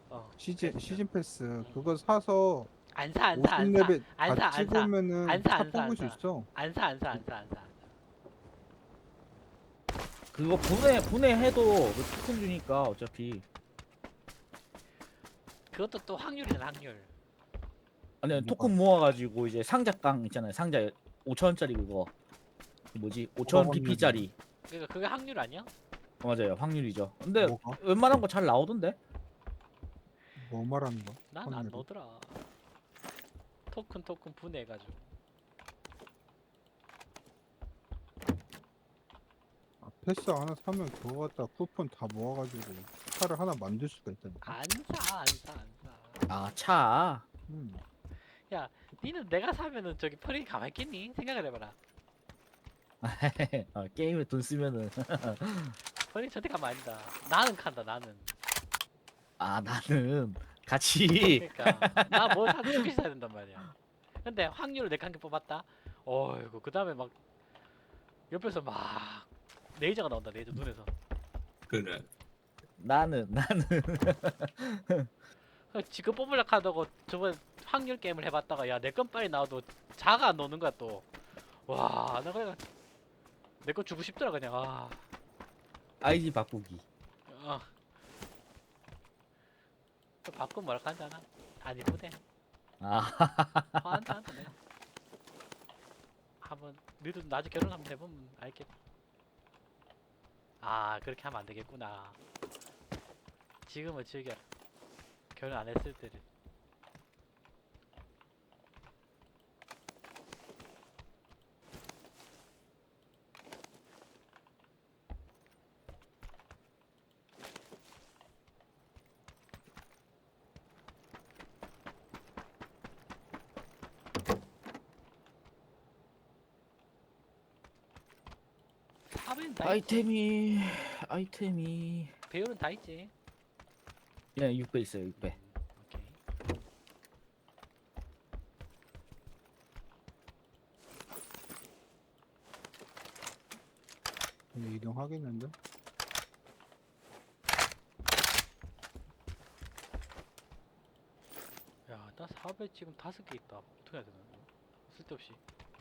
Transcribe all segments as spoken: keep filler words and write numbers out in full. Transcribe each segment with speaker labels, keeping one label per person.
Speaker 1: 어
Speaker 2: 시즌
Speaker 1: 그랬어.
Speaker 2: 시즌 패스
Speaker 1: 응.
Speaker 2: 그거 사서
Speaker 1: 안 사, 안 사,
Speaker 2: 오십
Speaker 1: 안 사,
Speaker 2: 레벨
Speaker 1: 안
Speaker 2: 다
Speaker 1: 사, 안 사,
Speaker 2: 찍으면은
Speaker 1: 안 사,
Speaker 2: 차
Speaker 1: 안 사, 안
Speaker 2: 뽑을 수
Speaker 1: 사,
Speaker 2: 있어.
Speaker 1: 안 사, 안 사, 안 사, 안 사, 안 사.
Speaker 3: 그거 분해 분해해도 그 토큰 주니까 어차피.
Speaker 1: 그것도 또 확률이잖아, 확률.
Speaker 3: 아니
Speaker 2: 뭐가
Speaker 3: 토큰 모아가지고 이제 상자깡 있잖아요. 상자 오천 원짜리 그거 그 뭐지
Speaker 2: 뭐가
Speaker 3: 오천
Speaker 2: 확률이야?
Speaker 3: 피피짜리.
Speaker 1: 그러니까 그게 확률 아니야?
Speaker 3: 맞아요, 확률이죠. 근데
Speaker 2: 뭐가?
Speaker 3: 웬만한 거 잘 나오던데.
Speaker 2: 뭐 말하는 거야?
Speaker 1: 난 안
Speaker 2: 확률이?
Speaker 1: 넣더라. 토큰 토큰 분해해가지고.
Speaker 2: 아, 패스 하나 사면 그거 갖다 쿠폰 다 모아가지고 차를 하나 만들 수가 있다니까.
Speaker 1: 안 사, 안 사, 안 사.
Speaker 3: 아, 차.
Speaker 2: 음.
Speaker 1: 야, 니는 내가 사면은 저기 편히 가만히 있겠니? 생각을 해봐라.
Speaker 3: 아, 게임에 돈 쓰면은.
Speaker 1: 편히 절대 가만 안 있다. 나는 간다, 나는.
Speaker 3: 아, 나는 같이.
Speaker 1: 그러니까 나 뭘 사도 두개씩 사야 된단 말이야. 근데 확률을 내가 한 개 뽑았다. 어이구 그 다음에 막 옆에서 막 레이저가 나온다. 레이저 눈에서.
Speaker 4: 그래.
Speaker 3: 나는 나는
Speaker 1: 지금 뽑으려 하다고 저번 확률 게임을 해봤다가 야 내 건 빨리 나와도 자가 안 노는 거야 또. 와 나 그래 내 거 주고 싶더라 그냥. 아,
Speaker 3: 아이디 바꾸기.
Speaker 1: 어. 또 바꾸면 뭐라 하지 않아? 안 이쁘대.
Speaker 3: 아,
Speaker 1: 화한다 한다 내가. 한번 너희도 나중에 결혼 한번 해보면 알겠. 아 그렇게 하면 안 되겠구나. 지금은 즐겨. 결혼 안 했을 때를. 사배는 다 있지.
Speaker 3: 아이템이 아이템이
Speaker 1: 배우는 다 있지.
Speaker 3: 예, 육 배 있어요. 육 배.
Speaker 1: 오케이.
Speaker 2: 근데 이동하겠는데?
Speaker 1: 야, 나 사배 지금 다섯 개 있다. 어떻게 해야 되나? 이거? 쓸데없이.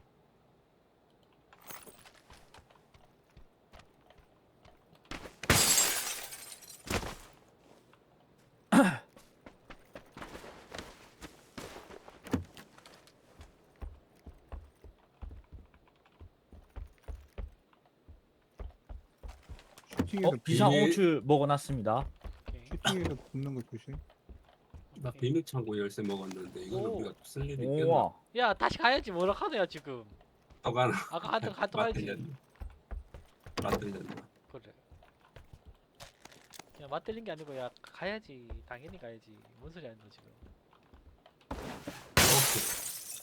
Speaker 2: 슈팅에서
Speaker 3: 어, 비상
Speaker 4: 비밀-
Speaker 3: 호출 먹어놨습니다.
Speaker 1: 오케이.
Speaker 2: 슈팅에서 붙는 거 조심.
Speaker 4: 나
Speaker 1: 오케이.
Speaker 4: 비밀 창고 열쇠 먹었는데 이거는
Speaker 1: 오.
Speaker 4: 우리가 쓸 일이 있겠나?
Speaker 3: 우와.
Speaker 1: 야, 다시 가야지. 뭐라 카드야 지금.
Speaker 4: 또 가나?
Speaker 1: 아까 한턱 한턱 가야지.
Speaker 4: 맞들렸네. 맞들렸네.
Speaker 1: 그래. 야, 맞들린 게 아니고 야 가야지. 당연히 가야지. 뭔 소리 하는 거 지금.
Speaker 4: 오케이.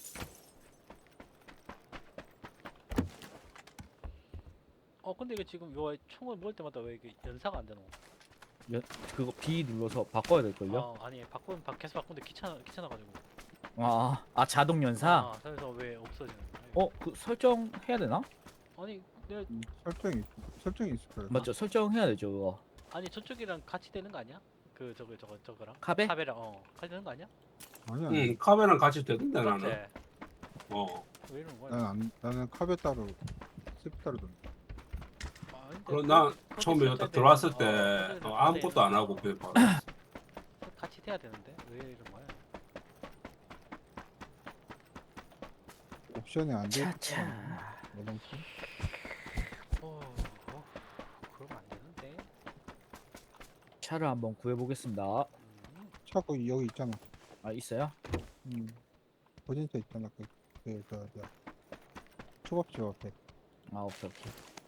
Speaker 1: 어, 근데 이거 지금 요 총을 모을 때마다 왜 이게 연사가 안 되노?
Speaker 3: 그거 B 눌러서 바꿔야 될걸요?
Speaker 1: 어, 아니 바꾸면 바, 계속 바꾸는데 귀찮아 귀찮아가지고.
Speaker 3: 아, 아 자동 연사?
Speaker 1: 아, 그래서 왜 없어지는 거야?
Speaker 3: 어, 그 설정 해야 되나?
Speaker 1: 아니, 내가
Speaker 2: 음, 설정이 설정이 있을 거야.
Speaker 3: 맞죠? 설정해야 되죠, 그거.
Speaker 1: 아니 저쪽이랑 같이 되는 거 아니야? 그 저거 저거 저거랑
Speaker 3: 카베?
Speaker 1: 카베랑 어 같이 되는 거 아니야?
Speaker 2: 아니야.
Speaker 4: 응, 카메라랑 같이 되던데
Speaker 1: 맞지?
Speaker 4: 나는. 어.
Speaker 1: 왜 이러는 거야?
Speaker 2: 나는 안, 나는 카베 따로 스프 따로 돈.
Speaker 1: 아, 근데
Speaker 4: 그럼
Speaker 1: 그-
Speaker 4: 나
Speaker 1: 그렇게
Speaker 4: 처음에
Speaker 1: 설정돼
Speaker 4: 딱 들어왔을
Speaker 1: 있는-
Speaker 4: 때
Speaker 1: 어, 설정돼
Speaker 4: 어, 아무것도
Speaker 1: 있는
Speaker 4: 안 하고
Speaker 1: 거.
Speaker 4: 그냥 바로 했어.
Speaker 1: 같이 돼야 되는데 왜 이런 거야?
Speaker 2: 옵션이 안 돼.
Speaker 3: 차차.
Speaker 2: 이런 거.
Speaker 1: 어, 어 그러면 안 되는데.
Speaker 3: 차를 한번 구해보겠습니다.
Speaker 1: 음,
Speaker 2: 차 거기 여기 있잖아.
Speaker 3: 아, 있어요?
Speaker 2: 음. 보진차 있잖아. 그, 그, 그, 그, 초밥집 앞에.
Speaker 3: 아, 오케이, 오케이.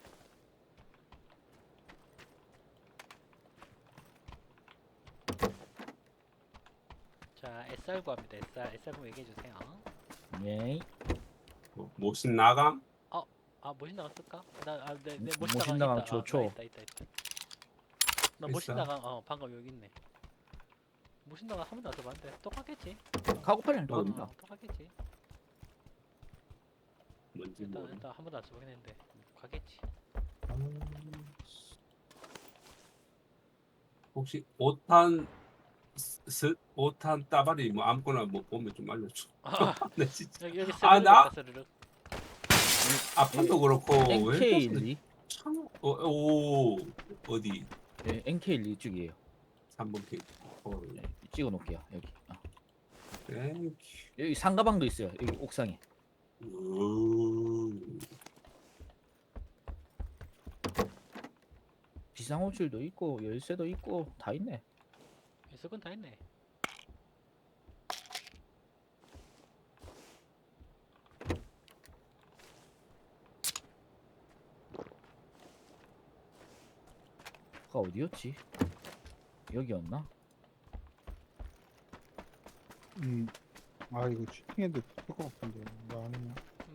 Speaker 1: 자, 에스알 구합니다. 에스알, 에스알 구 얘기해 주세요.
Speaker 3: 예.
Speaker 4: 뭐, 모신 나감?
Speaker 1: 아, 모신 나가 쓸까? 나, 아, 내, 내
Speaker 3: 모-
Speaker 1: 모신
Speaker 3: 모신
Speaker 1: 나가
Speaker 3: 나감
Speaker 1: 있다.
Speaker 3: 좋죠.
Speaker 1: 아, 나 있다, 있다, 있다. 나 모신
Speaker 4: 있어?
Speaker 1: 나가, 어, 방금 여기 있네. 모신 나가 한 번도 안 써봤는데 똑같겠지?
Speaker 3: 카고팔이랑
Speaker 1: 어,
Speaker 3: 똑같습니다.
Speaker 1: 똑같겠지.
Speaker 4: 뭔지
Speaker 1: 일단
Speaker 4: 모르.
Speaker 1: 일단 한 번도 안 써보긴 했는데 가겠지.
Speaker 4: 혹시 오탄 스 오탄 따발이 뭐 아무거나 뭐 보면 좀 알려줘.
Speaker 1: 아,
Speaker 4: 네, 진짜.
Speaker 1: 여기 여기
Speaker 4: 아, 나?
Speaker 1: 스르륵
Speaker 4: 아판도 그렇고 왜
Speaker 3: 엔케이 일이
Speaker 4: 참, 어, 오 어디
Speaker 3: 예, 엔케이 일 이쪽이에요.
Speaker 4: 삼 번 케이크. 어,
Speaker 3: 예, 찍어 놓을게요. 여기. 아.
Speaker 4: 땡큐.
Speaker 3: 여기 상가방도 있어요. 여기 옥상에.
Speaker 4: 오.
Speaker 3: 비상호출도 있고 열쇠도 있고 다 있네.
Speaker 1: 있을 건 다 있네.
Speaker 3: 아까 어디였지? 여기였나?
Speaker 2: 음. 아 이거 치팅해도 될것 같은데 나 아니면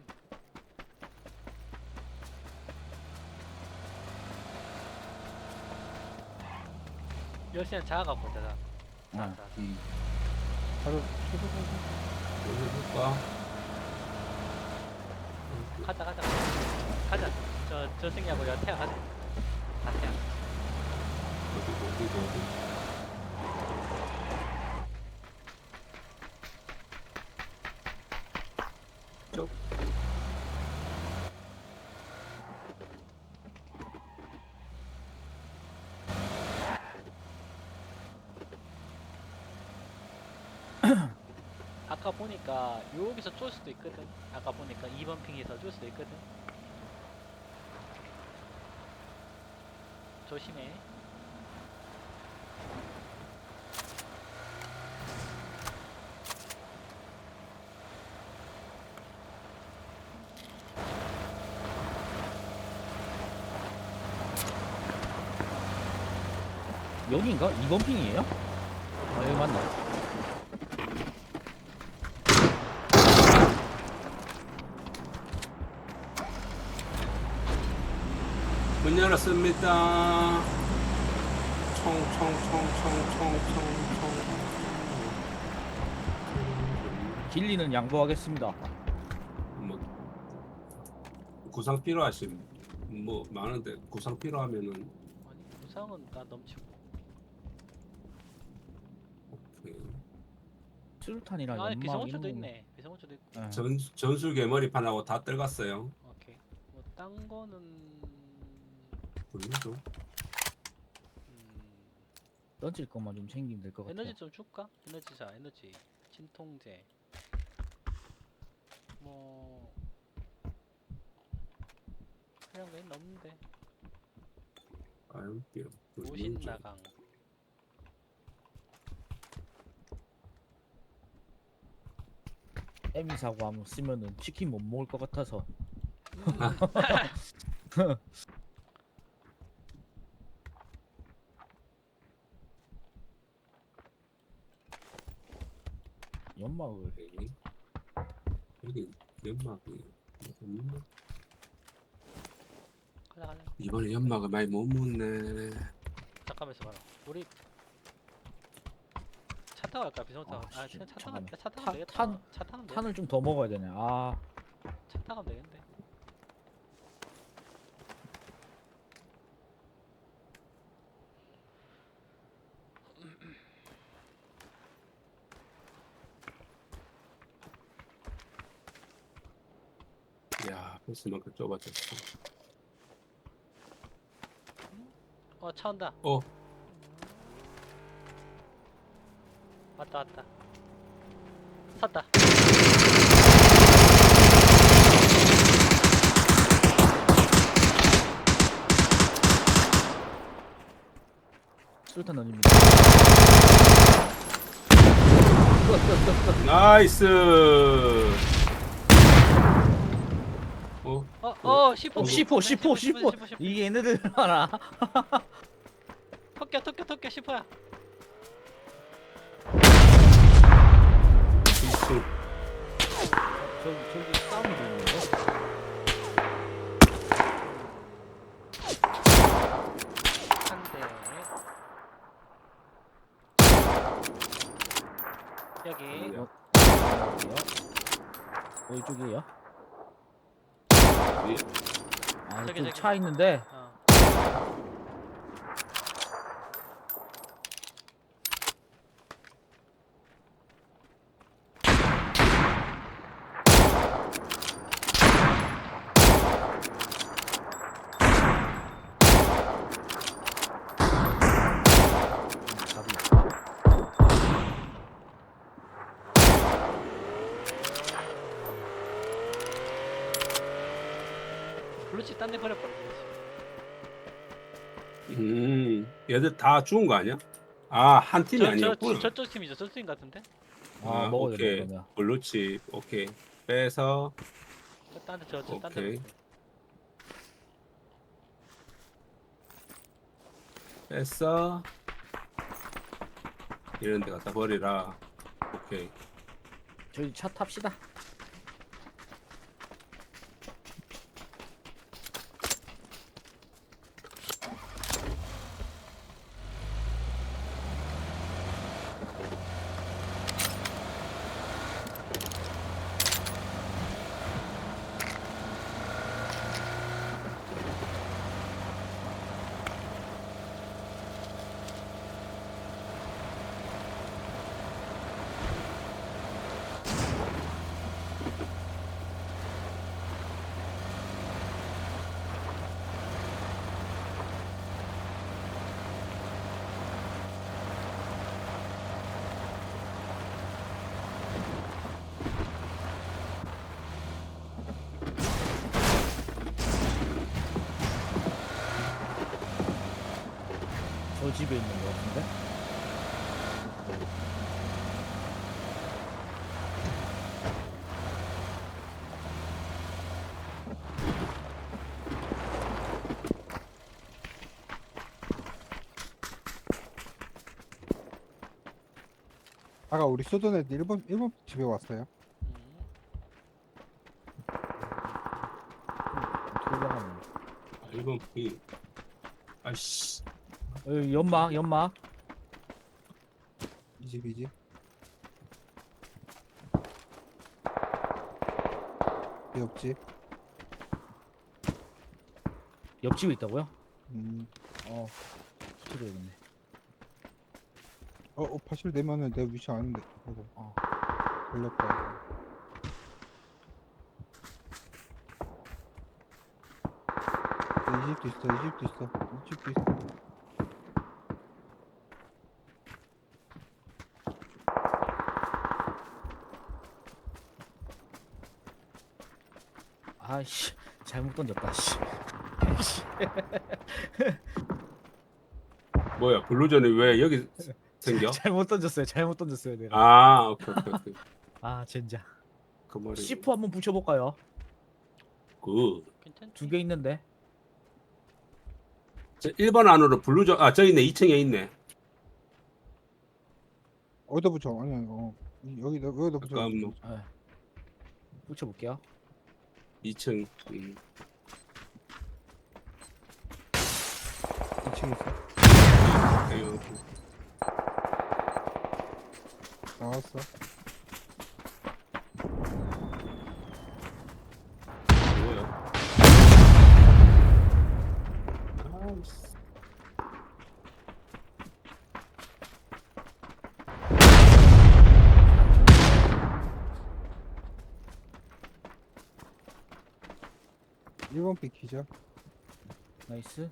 Speaker 1: 열쇠는 작아갖고 되다.
Speaker 3: 아,
Speaker 1: 자,
Speaker 3: 이
Speaker 2: 바로 쳐다보고
Speaker 4: 여기 해볼까?
Speaker 1: 가자 가자 가자. 저 저승이하고 여태야 가자. 가태야.
Speaker 4: 어디 어디 어디. 쪽.
Speaker 1: 아까 보니까 여기서 쫄 수도 있거든. 아까 보니까 이 번 핑에서 쫄 수도 있거든. 조심해.
Speaker 3: 여기인가? 이 번 핑이에요? 아 여기 맞나?
Speaker 4: 문 열었습니다. 총총총총총총총.
Speaker 3: 길리는 양보하겠습니다.
Speaker 4: 뭐 구상 필요하신 뭐 많은데 구상 필요하면은
Speaker 1: 아니 부상은 나 넘치고.
Speaker 4: 오케이.
Speaker 3: 수류탄이랑
Speaker 1: 아
Speaker 3: 연막
Speaker 1: 비상호출도
Speaker 3: 이런 거.
Speaker 1: 있네. 비상호출도 있고.
Speaker 3: 예.
Speaker 4: 전 전술 개머리판하고 다 떨갔어요.
Speaker 1: 오케이. 뭐 딴 거는
Speaker 4: 보이죠?
Speaker 1: 음,
Speaker 3: 던질 것만 좀 챙기면 될 것 같아요.
Speaker 1: 에너지 좀 줄까? 에너지자 에너지 진통제 뭐 그냥 왜 없는데
Speaker 4: 아유게요.
Speaker 1: 오신나강
Speaker 3: 에미 사고 한번 쓰면은 치킨 못 먹을 것 같아서.
Speaker 1: 음,
Speaker 3: 연막을
Speaker 4: 오케이. 여기 연막이 없나?
Speaker 1: 가자 가자
Speaker 4: 이번에 연막을 많이 못 묻네.
Speaker 1: 잠깐만 있어봐라 우리 차 타고 갈까 비상 타고
Speaker 3: 아,
Speaker 1: 아
Speaker 3: 씨,
Speaker 1: 그냥 차 타고
Speaker 3: 잠깐만.
Speaker 1: 차 타고
Speaker 3: 탄-
Speaker 1: 되겠다
Speaker 3: 탄-
Speaker 1: 차 타면 돼
Speaker 3: 탄을 좀 더 먹어야 되네. 아
Speaker 1: 차 타면 되겠는데
Speaker 4: 야, 벌써만큼 좁아졌어.
Speaker 1: 어 차 온다
Speaker 4: 어,
Speaker 1: 왔다 왔다 섰다
Speaker 3: 수류탄 던집니다. 끝, 끝, 끝, 끝.
Speaker 4: 나이스. 어,
Speaker 1: 어어 시포
Speaker 3: 어, 시포, 시포, 시포. 이게 얘네들 하나.
Speaker 1: 토끼야 토끼 토끼 시포야
Speaker 4: 이층.
Speaker 3: 저기 저기 싸움이 되는 거.
Speaker 1: 한대 여기
Speaker 3: 어, 어 이쪽이에요?
Speaker 4: 위.
Speaker 3: 아
Speaker 1: 저기,
Speaker 3: 저기
Speaker 1: 저기.
Speaker 3: 차 있는데.
Speaker 1: 어 블루칩 딴 데 버려버려.
Speaker 4: 음, 얘들 다 죽은 거 아니야? 아, 한 팀이
Speaker 1: 저, 저,
Speaker 4: 아니었구나.
Speaker 1: 저, 저쪽 팀이죠. 저쪽 팀 같은데?
Speaker 3: 아,
Speaker 4: 아,
Speaker 3: 먹어야 되네
Speaker 4: 오케이.
Speaker 3: 그러면.
Speaker 4: 블루칩, 오케이. 빼서,
Speaker 1: 딴 데, 저, 저, 딴 데.
Speaker 4: 오케이. 뺐어. 이런 데 갖다 버리라. 오케이.
Speaker 3: 저희 차 탑시다. 저 집에 있는 거 같은데?
Speaker 2: 아까 우리 쏘던 애들 일본 일본 집에 왔어요.
Speaker 1: 음.
Speaker 3: 어떻게 올라가는 거야?
Speaker 4: 아, 일본 피. 아이씨.
Speaker 3: 여기 연막 연막.
Speaker 2: 이 집이지. 옆집.
Speaker 3: 옆집에 있다고요?
Speaker 2: 음.
Speaker 3: 어. 붙여줘야겠네.
Speaker 2: 어, 어 파실 내면은 내 위치 아는데. 이거
Speaker 3: 어.
Speaker 2: 걸렸다. 네, 이 집도 있어. 이 집도 있어. 이 집도 있어.
Speaker 3: 아이씨 잘못 던졌다. 씨.
Speaker 4: 뭐야, 블루전이 왜 여기 생겨?
Speaker 3: 잘못 던졌어요. 잘못 던졌어요 내가.
Speaker 4: 아, 오케이, 오케이, 오케이.
Speaker 3: 아 젠장.
Speaker 4: 그 머리.
Speaker 3: 씨포 한번 붙여볼까요?
Speaker 4: 굿.
Speaker 1: 괜찮지?
Speaker 3: 두 개 있는데.
Speaker 4: 저 일 번 안으로 블루전, 아, 저 있네. 이 층에 있네.
Speaker 2: 어디다 붙여? 아니 아니. 어. 이- 여기다 여기다 붙여.
Speaker 4: 잠깐만.
Speaker 3: 네. 붙여볼게요.
Speaker 4: 이 층. 음.
Speaker 2: 이 층에 있어.
Speaker 4: 아유,
Speaker 2: 나왔어.
Speaker 4: 뭐야? 아이씨.
Speaker 2: 일 번 픽 기자.
Speaker 3: 나이스.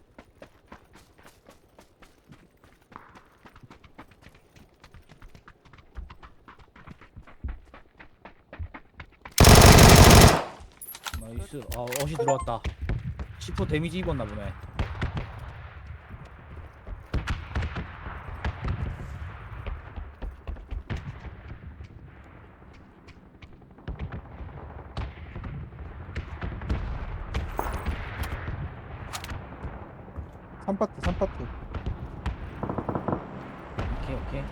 Speaker 3: 나이스. 아 어시 들어왔다. 씨포 데미지 입었나 보네.
Speaker 2: 삼 파트 삼 파트.
Speaker 3: 오케이 오케이.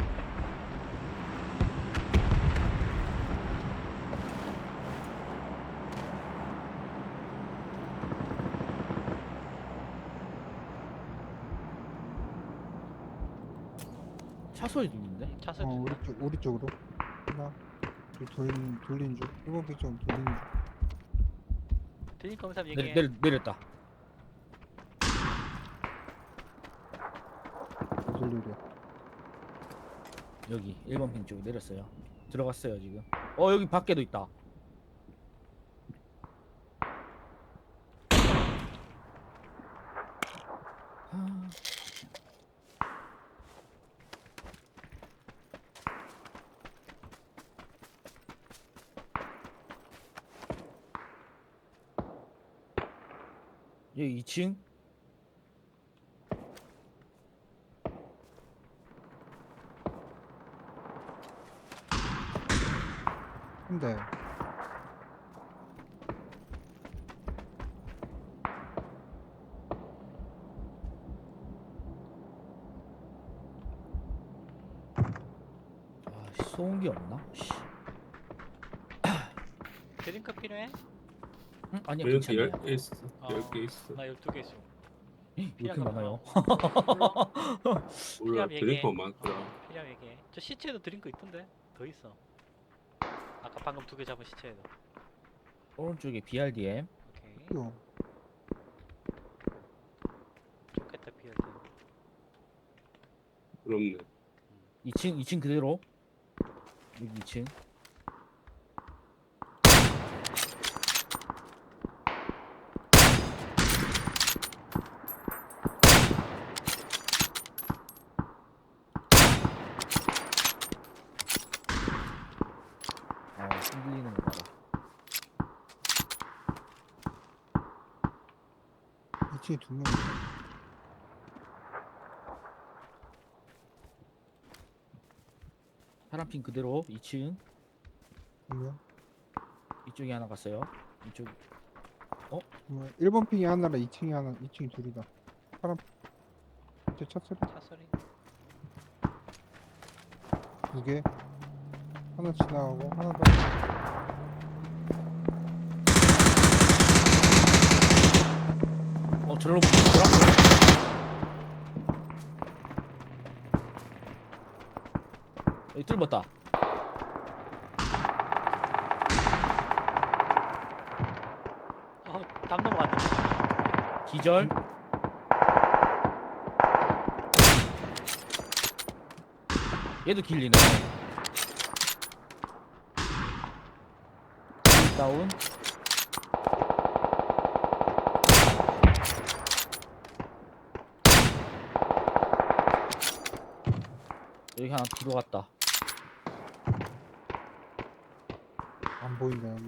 Speaker 3: 차 소리 들리는데?
Speaker 1: 차선.
Speaker 2: 어 우리 쪽 우리 쪽으로. 하나. 둘 돌린 돌린 중. 일 번 픽 좀 돌린 중.
Speaker 1: 드림 검사
Speaker 3: 내려,
Speaker 1: 얘기해.
Speaker 3: 내려, 내렸다.
Speaker 2: 돌리려.
Speaker 3: 여기 일 번 핑 쪽에 내렸어요. 들어갔어요 지금. 어 여기 밖에도 있다. 아, 여기 이 층.
Speaker 2: 근데
Speaker 3: 아, 소음기 없나? 씨.
Speaker 1: 드링크 필요해?
Speaker 3: 응? 아니야
Speaker 4: 여기
Speaker 3: 괜찮아요.
Speaker 4: 열 개 있어.
Speaker 1: 어,
Speaker 4: 열 개 있어.
Speaker 1: 나 열두 개 있어.
Speaker 3: 왜 이렇게 많아요?
Speaker 1: 몰라.
Speaker 4: 몰라.
Speaker 1: 필요하면 얘기해.
Speaker 4: 드링크 많더라.
Speaker 1: 어, 필요하면 얘기해. 저 시체에도 드링크 있던데? 더 있어. 아까 방금 두 개 잡은 시체에도.
Speaker 3: 오른쪽에 비알디엠.
Speaker 1: 오케이.
Speaker 2: 이거
Speaker 1: 좋겠다 비어드.
Speaker 4: 그렇네.
Speaker 3: 이 층 이 층 그대로. 여기 이 층. 아, 흔들리는 거 봐라.
Speaker 2: 이 층에 두 명.
Speaker 3: 파란핀 그대로 이 층.
Speaker 2: 두 명.
Speaker 3: 이쪽에 하나 갔어요. 이쪽.
Speaker 2: 뭐 일 번 핑이 하나라 이 층이 하나, 이 층이 둘이다. 사람 제 찼어리
Speaker 1: 차 소리.
Speaker 2: 두 개. 하나 지나가고 하나 더.
Speaker 3: 어, 저리로 붙더라. 여기 뚫었다.
Speaker 1: 어, 담 넘어갔네.
Speaker 3: 기절. 얘도 길리네. 다운. 여기 하나 뒤로 갔다.
Speaker 2: 안 보인다 여기.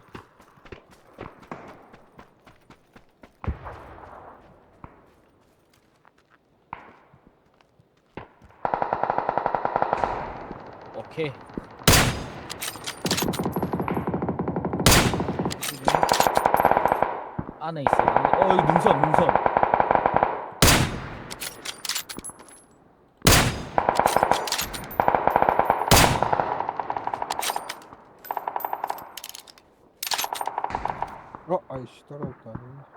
Speaker 3: 오케이. 안에 있어. 어, 여기 능선, 능선.
Speaker 2: 어, 아이씨 떨어졌다.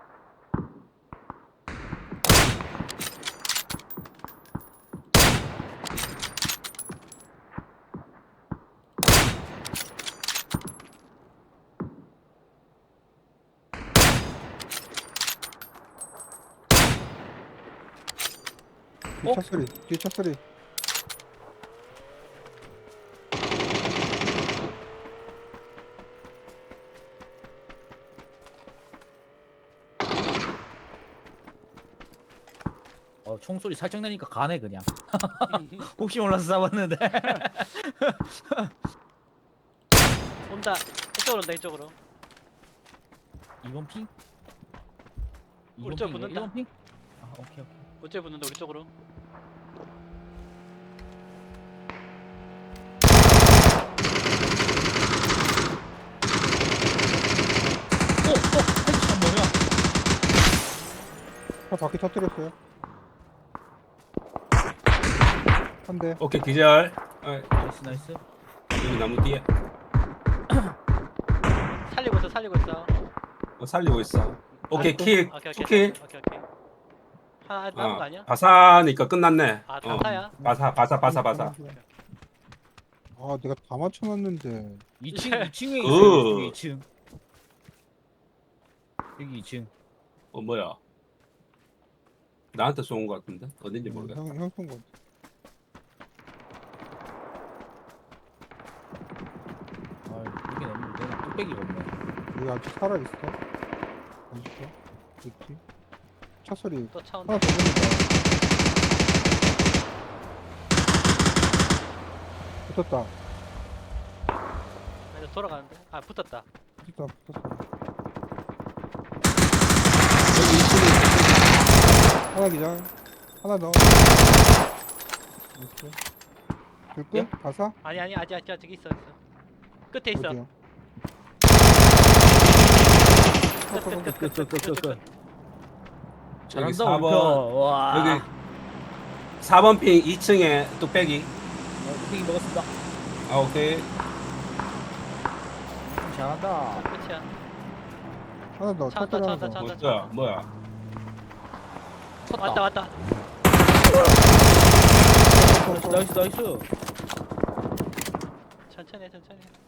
Speaker 2: 뒤
Speaker 3: 어?
Speaker 2: 차 소리, 뒤 차 소리.
Speaker 3: 어, 총소리 살짝 나니까 가네 그냥. 혹시 몰라서 잡았는데.
Speaker 1: 온다. 이쪽으로 온다 이쪽으로.
Speaker 3: 이 번 핑?
Speaker 1: 우리 쪽 붙는다.
Speaker 3: 일 번 핑? 아, 오케이 오케이.
Speaker 1: 어째 붙는다 우리 쪽으로.
Speaker 3: 어, 어, 헤드샷 뭐야?
Speaker 2: 차 바퀴 터뜨렸어요. 한 대.
Speaker 4: 오케이 기절. 아,
Speaker 3: 나이스 나이스.
Speaker 4: 여기 나무 뒤에
Speaker 1: 살리고 있어 살리고 있어.
Speaker 4: 어, 살리고 있어. 오케이
Speaker 2: 아이고.
Speaker 4: 킬.
Speaker 1: 오케이
Speaker 4: 투
Speaker 1: 오케이
Speaker 4: 킬.
Speaker 1: 오케이 오케이. 하나 남은 거 아니야?
Speaker 4: 바사니까 끝났네.
Speaker 1: 아
Speaker 4: 어,
Speaker 1: 단사야?
Speaker 4: 바사 바사 바사 바사.
Speaker 2: 아, 내가 다 맞춰놨는데.
Speaker 3: 이 층 이 층에
Speaker 4: 그.
Speaker 3: 있어요. 여기 이 층. 여기 이 층.
Speaker 4: 어 뭐야? 나한테 쏜 거 같은데 어딘지 모르겠다.
Speaker 2: 형, 형 쏜 거.
Speaker 3: 아, 이렇게 내면 되나? 뚝배기가 없네.
Speaker 2: 여기 아직 살아 있어? 어딨어? 있지? 차 소리
Speaker 1: 또 차 온다.
Speaker 2: 하나 더 보인다. 붙었다.
Speaker 1: 아, 이제 돌아가는데. 아 붙었다.
Speaker 2: 붙었다. 붙었어.
Speaker 4: 여기 이 층에
Speaker 2: 하나 기절. 하나 더. 이렇게. 둘
Speaker 3: 예?
Speaker 2: 끝? 다사?
Speaker 1: 아니 아니 아직 아직 아직 있어 있어. 끝에 있어.
Speaker 2: 어디요?
Speaker 3: 끝끝끝끝끝. 잘한다
Speaker 4: 사
Speaker 3: 우리
Speaker 4: 번.
Speaker 3: 편. 와.
Speaker 4: 여기 사 번 핑 이 층에 뚝배기.
Speaker 3: 어, 뚝배기 먹었습니다.
Speaker 4: 아 오케이.
Speaker 3: 잘한다.
Speaker 1: 끝이야.
Speaker 2: 하나 더.
Speaker 1: 차
Speaker 2: 차
Speaker 1: 왔다,
Speaker 2: 하나
Speaker 1: 차
Speaker 2: 더.
Speaker 1: 왔다, 차
Speaker 4: 뭐야 뭐야.
Speaker 3: 쳤다.
Speaker 1: 왔다 왔다.
Speaker 3: 나이스 나이스.
Speaker 1: 천천히 해, 천천히. 해.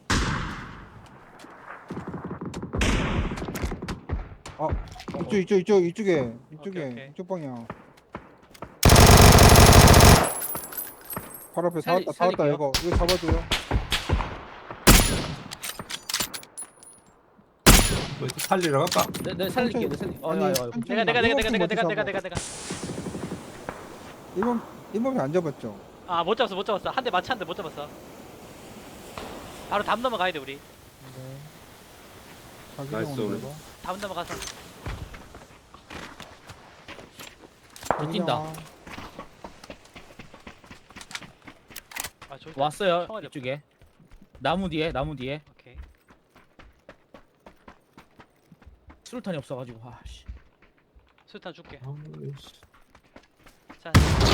Speaker 2: 아, 이쪽 이쪽 이쪽 이쪽에 이쪽에
Speaker 1: 오케이, 오케이.
Speaker 2: 이쪽 방향. 바로 앞에
Speaker 3: 살리-
Speaker 2: 사왔다 사왔다
Speaker 3: 살릴게요.
Speaker 2: 이거 이거 잡아줘요.
Speaker 4: 뭐 살리러 갈까?
Speaker 3: 내, 내 살릴게. 내 살릴게. 어,
Speaker 2: 아니,
Speaker 3: 아유, 아유.
Speaker 2: 천천히
Speaker 1: 내가 내가 내가 내가
Speaker 2: 일번
Speaker 1: 내가
Speaker 2: 핑
Speaker 1: 내가
Speaker 2: 먼저
Speaker 1: 내가 내가
Speaker 2: 잡아.
Speaker 1: 내가.
Speaker 2: 일번 일번이 안 잡았죠?
Speaker 1: 아 못 잡았어 못 잡았어. 한 대 맞췄는데 못 잡았어. 바로 담 넘어가야 돼 우리.
Speaker 2: 네. 자기
Speaker 4: 나이스,
Speaker 2: 경우는
Speaker 4: 오늘.
Speaker 2: 이거.
Speaker 1: 담 넘어가서.
Speaker 3: 저 뛴다.
Speaker 1: 아 저기.
Speaker 3: 왔어요.
Speaker 1: 총알이 없-
Speaker 3: 이쪽에. 나무 뒤에 나무 뒤에.
Speaker 1: 오케이.
Speaker 3: 수류탄이 없어가지고. 아 씨.
Speaker 1: 수탄 줄게.
Speaker 4: 아이씨.
Speaker 1: 자.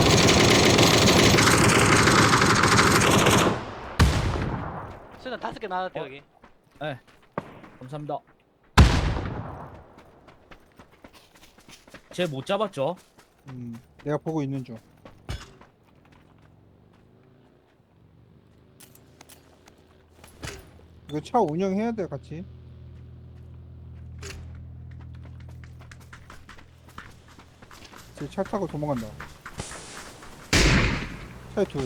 Speaker 1: 수탄 다섯 개 나왔대
Speaker 3: 어?
Speaker 1: 여기.
Speaker 3: 감사합니다. 쟤 못 잡았죠?
Speaker 2: 음, 내가 보고 있는 중. 이거 차 운영해야 돼 같이. 쟤 차 타고 도망간다. 차에 둘.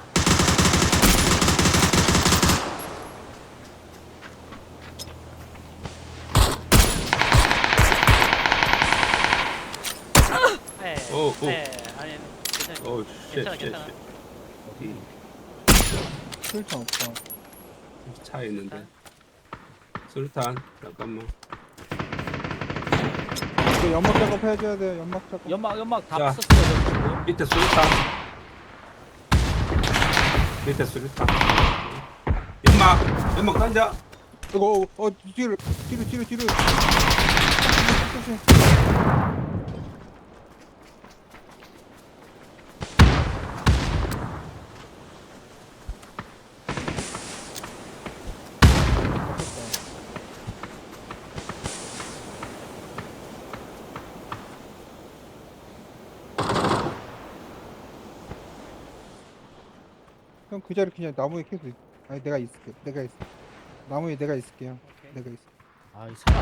Speaker 1: 네.
Speaker 4: 오, 오.
Speaker 1: 네. 아니 괜찮아.
Speaker 4: 오
Speaker 1: 괜찮아,
Speaker 4: 쉣,
Speaker 1: 괜찮아.
Speaker 4: 쉣, 쉣.
Speaker 2: 술탄 없다.
Speaker 4: 어디 차에 있는데. 수류탄 잠깐만.
Speaker 2: 이거 연막 작업 해줘야 돼. 연막 작업.
Speaker 3: 연막 연막 다
Speaker 4: 자.
Speaker 3: 썼어요. 지금.
Speaker 4: 밑에 수류탄. 밑에 수류탄. 연막 연막 던져.
Speaker 2: 이거 어, 어 뒤로 뒤로 뒤로 뒤로. 조심. 형 그 자리 그냥 나무에 계속 있... 아니 내가 있을게. 내가 있어. 나무에 내가 있을게요.
Speaker 1: 오케이.
Speaker 2: 내가 있어.
Speaker 3: 아이 사람.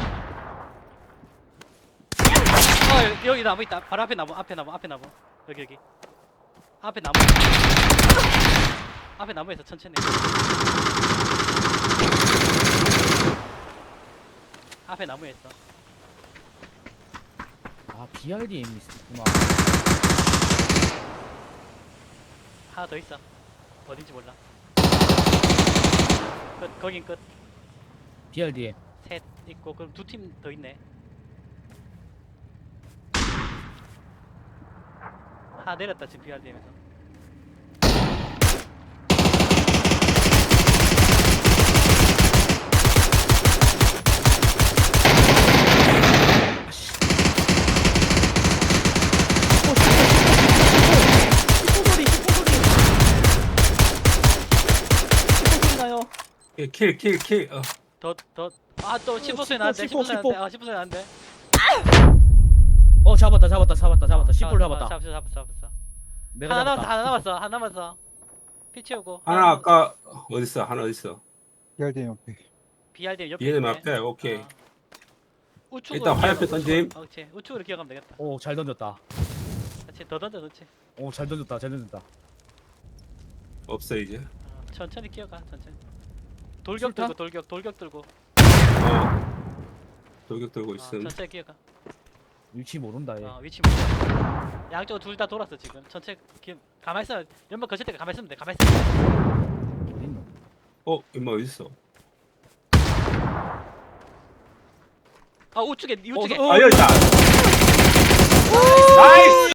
Speaker 1: 어 여기, 여기 나무 있다. 바로 앞에 나무 앞에 나무 앞에 나무. 여기 여기. 앞에 나무. 앞에 나무에서 천천히. 앞에 나무에 있어.
Speaker 3: 아 비알디엠이 있구나.
Speaker 1: 하나 더 있어. 어딘지 몰라. 끝. 거긴 끝.
Speaker 3: 비알디엠.
Speaker 1: 셋 있고 그럼 두 팀 더 있네. 하나 내렸다 지금 비알디엠에서.
Speaker 4: 킬 킬 킬. 어.
Speaker 1: 더더아또 십 퍼센트
Speaker 3: 십 퍼,
Speaker 1: 나는데
Speaker 3: 십 퍼,
Speaker 1: 십 퍼센트
Speaker 3: 십 퍼.
Speaker 1: 나는데 아 십 퍼센트 나는데.
Speaker 3: 어 잡았다 잡았다 잡았다 잡았다. 십 불 잡았다.
Speaker 1: 잡았어 잡았어 잡았어.
Speaker 3: 내가
Speaker 1: 하나 남았어
Speaker 3: 잡았다.
Speaker 1: 하나 남았어 하나 남았어. 피 채우고.
Speaker 4: 하나 아까 어디 있어? 하나 어디 있어?
Speaker 2: 열대 옆에.
Speaker 1: 비알디엠 옆에.
Speaker 4: 얘네
Speaker 1: 있네.
Speaker 4: 앞에 오케이.
Speaker 1: 어. 우측으로
Speaker 4: 일단 화염표
Speaker 1: 기어가,
Speaker 4: 던짐.
Speaker 1: 우측으로. 어, 그렇지. 우측으로 기어가면 되겠다.
Speaker 3: 오 잘 던졌다.
Speaker 1: 그렇지. 더 던져 그렇지.
Speaker 3: 오 잘 던졌다 잘 던졌다.
Speaker 4: 없어 이제.
Speaker 1: 어, 천천히 기어가 천천히. 돌격
Speaker 3: 싫다?
Speaker 1: 들고 돌격 돌격 들고.
Speaker 4: 어. 돌격 들고
Speaker 1: 어,
Speaker 4: 있음.
Speaker 1: 천천히 기어가.
Speaker 3: 위치 모른다 얘.
Speaker 1: 어, 위치 몰라. 양쪽으로 둘 다 돌았어 지금. 천천히 기... 가만히 있어. 연막 거칠 때 가만히 있으면 돼. 가만히 있어.
Speaker 3: 어딨노?
Speaker 4: 어, 임마 어디 있어?
Speaker 1: 아 우측에 우측에.
Speaker 3: 어,
Speaker 4: 아 여기 있다. 나이스.